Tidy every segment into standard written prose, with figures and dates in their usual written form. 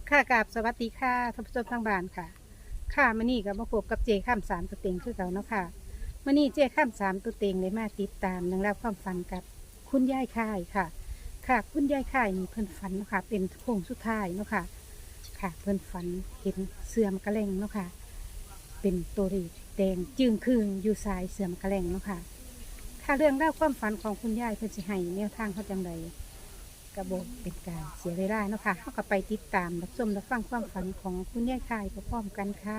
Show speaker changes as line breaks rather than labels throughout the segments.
ค่ะกราบสวัสดีค่ะท่านผู้ชมทางบ้านค่ะค่ะมื้อนี้ก็มาพบกับเจข้ามสามตัวเต็งคือเก่าเนาะค่ะมื้อนี้เจข้ามสามตัวเต็งเลยมาติดตามเรื่องราวความฝันกับคุณยายค่ายค่ะ ค่ะคุณยายค่ายนี่เพิ่นฝันเนาะค่ะเป็นโค้งสุดท้ายเนาะค่ะค่ะเพิ่นฝันเห็นเสื่อมกระแลงเนาะค่ะเป็นตัวรีแดงจึงคืงอยู่สายเสื่อมกระแลงเนาะค่ะค่ะเรื่องราวความฝันของคุณยายเพิ่นสิให้แนวทางเขาจังใด กระโบเป็นการเสียเวลาเนาะค่ะเขาก็ไปติดตามรับชมรับฟังความฝันของคุณยายคายพร้อมๆกันค่ะ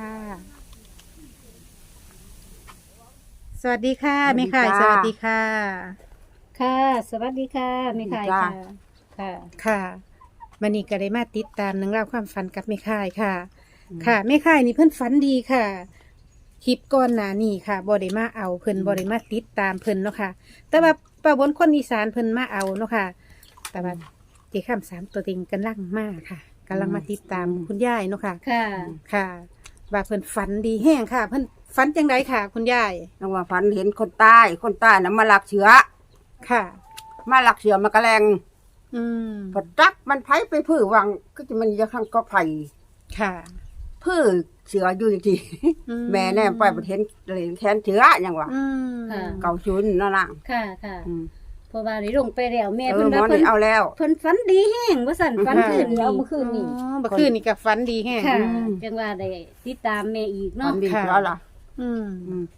สวัสดีค่ะแม่คายสวัสดีค่ะ
ค่ะ สวัสดีค่ะแม่ไข่
จ้า
ค่ะ ค่ะ
ค่ะมันนี้ก็ได้มาติดตามเรื่องราวความฝันกับแม่คายค่ะ ค่ะแม่คายนี่เพิ่นฝันดีค่ะคลิปก่อนหน้านี้ค่ะบ่ได้มาเอาเพิ่นบ่ได้มาติดตามเพิ่นเนาะค่ะ แต่ว่าป้าบนคนอีสานเพิ่นมาเอาเนาะค่ะ แต่ว่าเจ้าข้ามสามตัวเต็งกำลังมาค่ะกำลังมาติดตามคุณยายเนาะค่ะ
ค่ะ
ค่ะว่าเพิ่นฝันดีแห้งค่ะ เพิ่นฝันจังไดค่ะ คุณยาย
นังว่าฝันเห็นคนใต้น่ะมาลักเชื้อ
ค่ะ
มาลักเชื้อมากระแลง
อืม
พอจักมันไผไปพื้อวังก็จะมันจะข้างก็ไผ
ค่ะ
พื้อเชื้ออยู่จริง
อื
ๆแม่แน่ไปบ่เห็นเลยแขนเชื้อหยังวะ
อืม
ค่ะ
เก่าชุนนั่นน่ะ
ค่ะ ค่ะ
อืม
เพราะว่าได้ลงไปแล้วแม่
เอ
เพิ่
อน หมอ
ว่าเพิ่น
นี่เอาแล้ว
เพิ่นฝันดีแห้งว่าสั่นฝันคืน
ค่ะ
นี้เมื่อคืนนี้
อ๋อเมื่อคืนนี่ก็ฝันดีแห้ง
ค่ะ
อืม
จังว่าได้ติดตามแม่อีก
ฝั
เนาะ
นดี
ค่ะ
แล้วล่ะ
อืม
อืม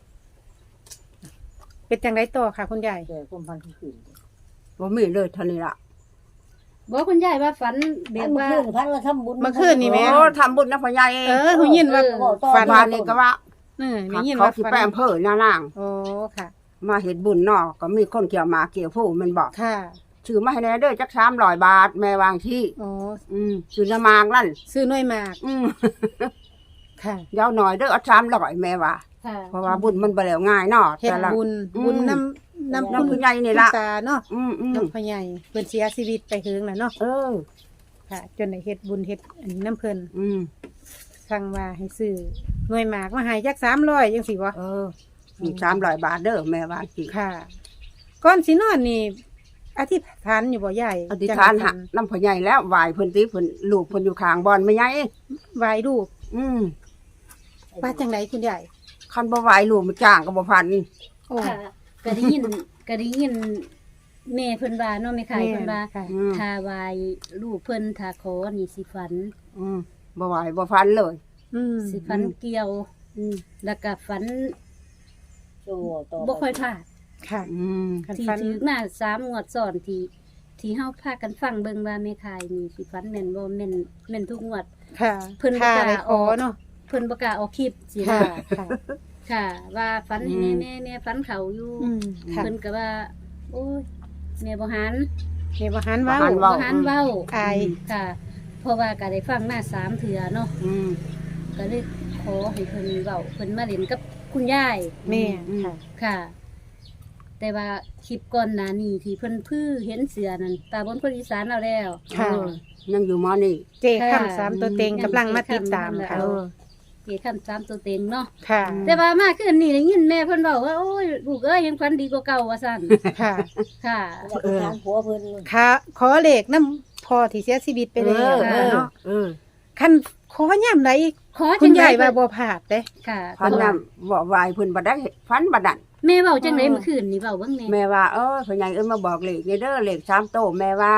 เป็นจังไดต่อค่ะ คุณยาย
บ่มีเลยเท่านี้ล่ะ
บอกคุณยายว่าฝันแบบว่า
พันว่าทำบุญ
เมื่อคืนนี่แม่
โอ้ทำบุญนะพ่อใหญ่
เออหูยินว่า
ฝันว่านี่ก็ว่า
ได้ยิน
เขา
ว่า
สิ
ฝัน
ไปอำเภอนาล่าง
โอ้ค่ะ
มาเฮ็ดบุญเนาะก็มีคนเกี่ยวหมาเกี่ยวผู้มันบอก
ค่ะ
ชื่อมาให้แน่เด้อจัก300 บาทแม่วางที่
โอ้
ชื่อละมากนั่น
ซื้อหน่วยหมาก
อืม
ค่ะ
ยาวหน่อยเด้อเอา300แม่ว่า
ค่ะ
เพราะว่าบุญมันบ่แล้วง่ายเนาะ
เฮ็ด
แต่ละ
บุญ
อืม
บุญน้ำ
น้ำผู้ใหญ่นี่ล่ะ
คุณตาเนาะ
อืม
น้ำพ่อใหญ่เพิ่นเสียชีวิตไปถึงแล้วเนาะ
เออ
ค่ะ จนได้เฮ็ดบุญเฮ็ดอันนี้น้ำเพิ่น
อืม
สั่งว่าให้ซื้อหน่วยหมากมาให้จัก300จังซี่บ่
เออมี300 บาทเด้อแม่ว่าสิ
ค่ะ ก่อนสินอนนี่อธิษฐานอยู่บ่ใหญ่
อธิษฐานหะน้ำพ่อใหญ่แล้วไหว้เพิ่นติเพิ่นลูกเพิ่นอยู่ข้างบ่อนแม่ใหญ่
ไหว้รูป
อืม
ว่าจังไดคุณใหญ่
คันบ่ไหว้ลูกมันจ้างก็บ่พัน
โอ้
ค่ะก็ได้ยินก็ได้ยินแม่เพิ่นว่าเนาะแม่ไข่เพิ่นว่า
ค่ะ
อืม
ถ้าไหวลูกเพิ่นถ้าขอนี่สิฝัน
อืมบ่ไหว้บ่พันเลย
อืม
สิฝันเกี่ยว
อืม
แล้วก็ฝัน
โซ่ต่อ
บ่ค่อยพลาด
ค่ะ
อืม
คัน
ที่
ฟัน
ถือมา3งวดซ้อนที่เฮาพากันฟังเบิ่งว่าแม่ขายนี่สิฝันแม่นบ่แม่นทุกงวด
ค่ะ
เพิ่นบ่
ค่ะ
กล้า
ได้ขอ
ออก
เนาะ
เพิ่นบ่กล้าออกคลิปสิ
ค่ะ
นะ
ค่ะ
ค่ะ ว่าฝันให้แม่ฝันเขาอยู่
อืมค่ะ
เพิ่นก็ว่า โอ้ยแม่บ่หัน
เฮ็ดบ่หันเว้า
บ่หัน
บ่
เว้า
หันเว้า
อาย
ค่ะ เพราะว่าก็ได้ฟังมา3เทื่อเนาะ
อืม
ก็เลยขอให้เพิ่นเว้าเพิ่นมาเล่นกับคุณยาย
แม่
อืม
ค่ะ
ค่ะ แต่ว่าคลิปก่อนหน้านี้ที่เพิ่นเห็นเสือนั่นตาบนคนอีสานเอาแล้ว
ค่ะ
เออยังอยู่มอนี่
เจข้ามสามตัวเต็งกำลังมาติดตามค่ะ
เออ
เกี่คำ3ตัวเต็งเนาะ
ค่ะ
แต่ว่ามาคืนนี้ได้ยินแม่เพิ่นบอกว่าโอ้ยลูกเอ้ยยังฝันดีกว่าเก่าว่าซั่น
ค่ะ
ค่ะ
อยากไปถามผัวเพิ่น
ค่ะ ขอเลขน้ำพอที่เสียชีวิตไปแล้ว
เออ
เนาะ
เออ
คันขอย่ำใด
ขอ
คุ
จั
ณ
งได๋
ยายว่าบ่พลาดเด้
ค่ะ
พันน่ะบ่ไหว้เพิ่นบ่ได้พันบ่ดัน
แม่เว้าจังได๋เมื่อคืนนี่เว้าเบิ่งแน่
แม่ว่าพ่อใหญ่มาบอกเลขนี่เด้อเลข3โตวแม่ว่าน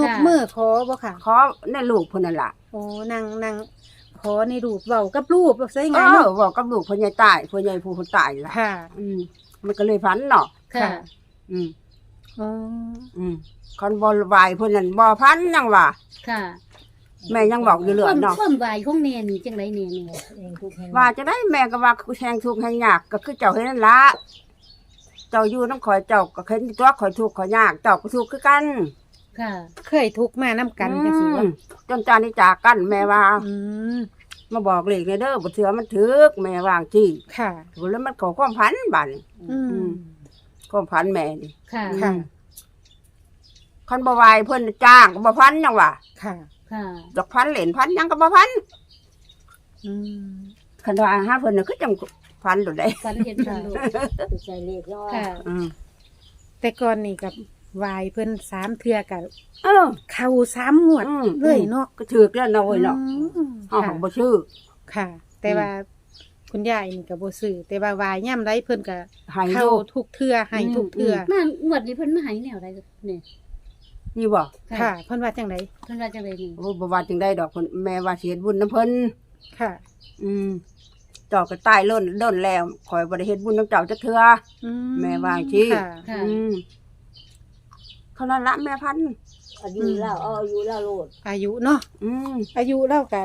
กมือขอบ่ค่ะ
ขอในลูกเพิ่นนั่นล่ะ
โอ้นางขอในรูปเว้ากับรูปใช่ไง
เอ
เนาะ
อบอกกับลูกพ่อใหญ่ตายพ่อใหญ่ผู้คนตายล่ะ
ค่ะ
อืมมันก็เลยพันเนาะ
ค่ะ
อืม
อ๋อ
อืมคันบ่ไหว้เพิ่นนั่นบ่พันยังว่า
ค่ะ
แม่ยังบอกอยู่เรื่อยเนาะ
ความไหวของแม่นี่จังได๋แน่แม่
เองทุกแห่ง
ว่าจะได้แม่ก็ว่าแทงทุกข์ให้ยากก็คือเจ้าเฮ็ดนั่นละเจ้าอยู่น้ำข่อยเจ้าก็เห็นตัวข่อยทุกข์ข่อยยากเจ้าก็ทุกข์คือกัน
ค่ะ
เคยทุกข์มานํกันจังซี่ว่า
จนจานนี้จากกันแม่ว่า
อืม
มาบอกเลขในเด้อบ่เถือมันถึกแม่วางจี้
ค่ะ
แล้วมันก็ความพันบัดนี้
อืม
ความพันแม่นี่
ค่ะ
ค่ะ
คันบ่ไหวเพิ่นจ้างก็บ่พันจังว่า
ค่ะ
ค่ะ
ดอกพันเหรียญพันหยังก็บ่พัน
อืม
คันว่าหาเพิ่นน่ะคือจังพันโดดได้
ฝันเห็นเพิ่นลูก
ใส่เลขน้อย
ค่ะ
อืม
แต่ก่อนนี่กับวายเพิ่น3เทื่อก็
เออ
เข้า3งวดเลยเนาะ
ก็ถือกแล้วเนาะเว้ยเนาะ
อืม
เฮา
ค่ะ
ของบ่ชื่อ
ค่ะ แต่ว่าคุณยายนี่ก็บ่ซื้อแต่ว่าวายย่ํไรเพิ่นก็
ให้
เข้า
โล
ทุกเทื่อให้ทุกเทื่อ
มางวดนี้เพิ่นมาให้แนวใดนี่
นี่บ่
ค่ะเพิ่นว่าจังได
เพิ่นว่าจังไดนี่
โอ้บ่ว่าจังได้ดอกเพิ่นแม่ว่าสิเฮ็ดบุญนํเพิ่น
ค่ะ
เจ้าก็ตายล้นล้นแล้วข่อยบ่ได้เฮ็ดบุญนํเจ้าจักเทื่อ
อื
แม่ว่าสิ
ค่ะ
ค่ะ
เท่านั้นละแม่พันธุ์
อายุเล่าเอาอายุเล่าโลด
อายุเนาะ
อืม
อายุเล่ากับ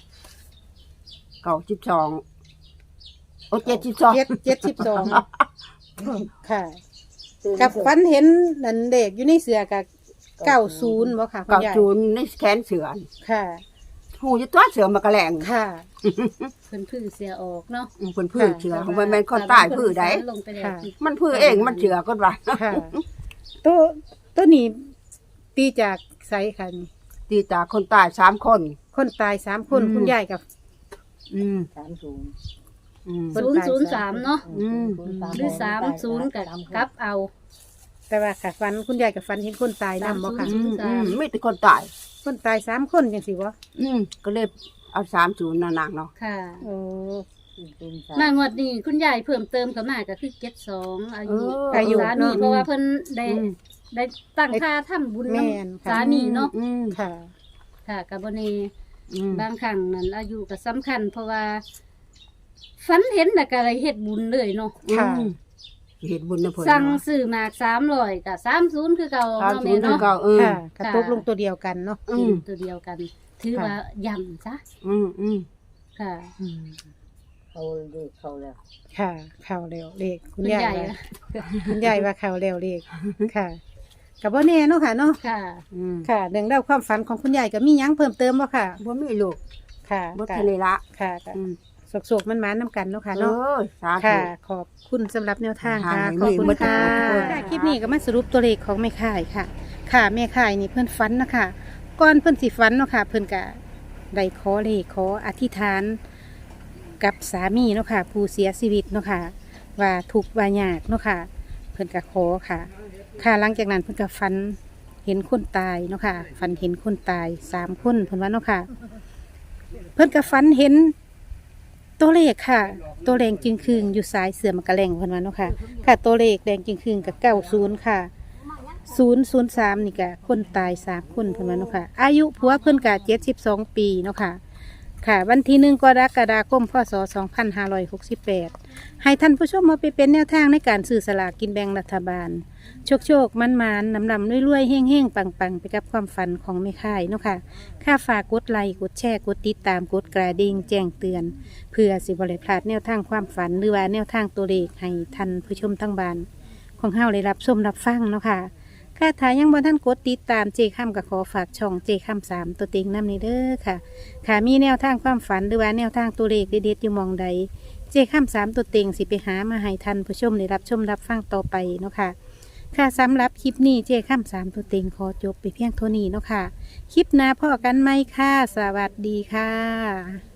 92โอ้72
72ค่ะ
ตื่น
กับฟันเห็นนั่นเด็กอยู่ในเสือกับ90บ่ค่ะคุณยาย
90ในแขนเสือ
ค่ะ
หูอยู่ตัวเสือมากระแลง
ค่ะ
เพิ่นพื้อเสียออกเนาะ
เพิ่นพื้นเสือของมันแม่นคนใต้พื้นใด
ลงไปแล้ว
ค่ะ
มันพื้นเองมันเสือก็ว่า
ค่ะตัวนี้ตีจากไสค่ะนี่
ตีตาคนใต้3คน
คนตาย3คน
อืม
คุณยายกับ
อืม
30
อืม
003เนาะ
อืม
หรือ30กับกลับเอา
แต่ว่าค่ะฟันคุณยายกับฟันเห็นคนตายนำบ่ค่ะ
อืมอืมมีแต่คนตาย
คนตาย3คนจังซี่บ่
ก็เลยเอา30น่ะนางเนาะ
ค่ะ
โอ้
มางวดนี้คุณยายเพิ่มเติมเข้ามาก็คือ72อายุ
อายุ
สามี
เนาะ
เพราะว่าเพิ่นได้
อืม
ได้ตั้งค่าทำบุญ
แม่น
นำ
ค่ะ
สามีเนาะ
อืม
ค่ะ
ค่ะก็บ่แน่
อืม
บางครั้งนั้นอายุก็สำคัญ เพราะว่าฝันเห็นแล้วก็เลยเฮ็ดบุญเลยเนาะ
ค่ะ
อืมเฮ็ดบุญนะเพิ่น
สั่งซื้อหมาก300ก็30คือเก่า
ตาม
เนาะ
ศู
แม่
นย์
เนาะ
เก่า
ค่ะ
ค่ะ
กระตกลงตัวเดียวกันเนาะ
อื
กิ
ม
นตัวเดียวกัน ถือ
ค่ะ
ว่าย่ำจ้ะ
อืมอืม
ค่ะ
อืม
เขาเด็กเขาแล้ว
ค่ะเข้าแล้วเลขคุณ
คุณ
ยาย
ยาย
ว่าคุณยายว่าเข้าแล้วเลขค่ะก็บ่แน่เนาะค่ะเนาะ
ค่ะ
อืม
ค่ะเรื่องเล่าวความฝันของคุณยายก็มีหยังเพิ่มเติมบ่ค่ะ
บ่มีลูก
ค่ะ
บ่
ก็
ทะเลละ
ค่ะก็
อืม
สกๆมันๆนำกันเนาะค่ะ
เอ
เนาะ
อสาธุ
ค่ะ ขอบคุณสำหรับแนวทางค่ะ
ให้
ขอบคุณ
มือ
ค่ะ
มือ
ค่ะคลิปนี้ก็มาสรุปตัวเลขของแม่ข่ายค่ะ ค่ะแม่ข่ายนี่เพิ่นฝันนะคะก่อนเพิ่นสิฝันเนาะค่ะ เพิ่นก็ได้ขอเลขขออธิษฐานกับสามีเนาะค่ะ ผู้เสียชีวิตเนาะค่ะ ว่าทุกข์ว่ายากเนาะค่ะ เพิ่นก็ขอค่ะ ค่ะหลังจากนั้นเพิ่นก็ฝันเห็นคนตายเนาะค่ะฝันเห็นคนตาย3คนเพิ่นว่าเนาะค่ะ เพิ่นก็ฝันเห็นตัวเลขค่ะ ตัวแดงจึงคืงอยู่ซ้ายเสือมันกระแลงเพิ่นว่าเนาะค่ะ ค่ะตัวเลขแดงจึงคืงกับ90ค่ะ003นี่ก็คนตาย3คนเพิ่นว่าเนาะค่ะ อายุผัวเพิ่นก็72 ปีเนาะค่ะ ค่ะ วันที่1กรกฎาคมพศ2568ให้ท่านผู้ชมมาไปเป็นแนวทางในการซื้อสลากกินแบ่งรัฐบาล โชคมันนำรวยๆเฮ่งๆปังๆไปกับความฝันของแม่ค่ายเนาะค่ะ ค่าฝากกดไลค์กดแชร์กดติดตามกดกระดิ่งแจ้งเตือน เพื่อสิบริพลาดแนวทางความฝันหรือว่าแนวทางตัวเลขให้ท่านผู้ชมทั้งบ้านของเฮาได้รับชมรับฟังเนาะค่ะค่าถ่ายยังบ่ท่านกดติดตามเจค่ำกับขอฝากช่องเจค่ำ3ตัวเต็งนำในเด้อค่ะ ค่ะมีแนวทางความฝันหรือว่าแนวทางตัวเลขเด็ดๆอยู่หมองใดเจค่ำ3ตัวเต็งสิไปหามาให้ท่านผู้ชมได้รับชมรับฟังต่อไปเนาะค่ะ ค่ะสำหรับคลิปนี้เจค่ำ3ตัวเต็งขอจบไปเพียงเท่านี้เนาะค่ะ คลิปหน้าพ่อกันไหมค่ะ สวัสดีค่ะ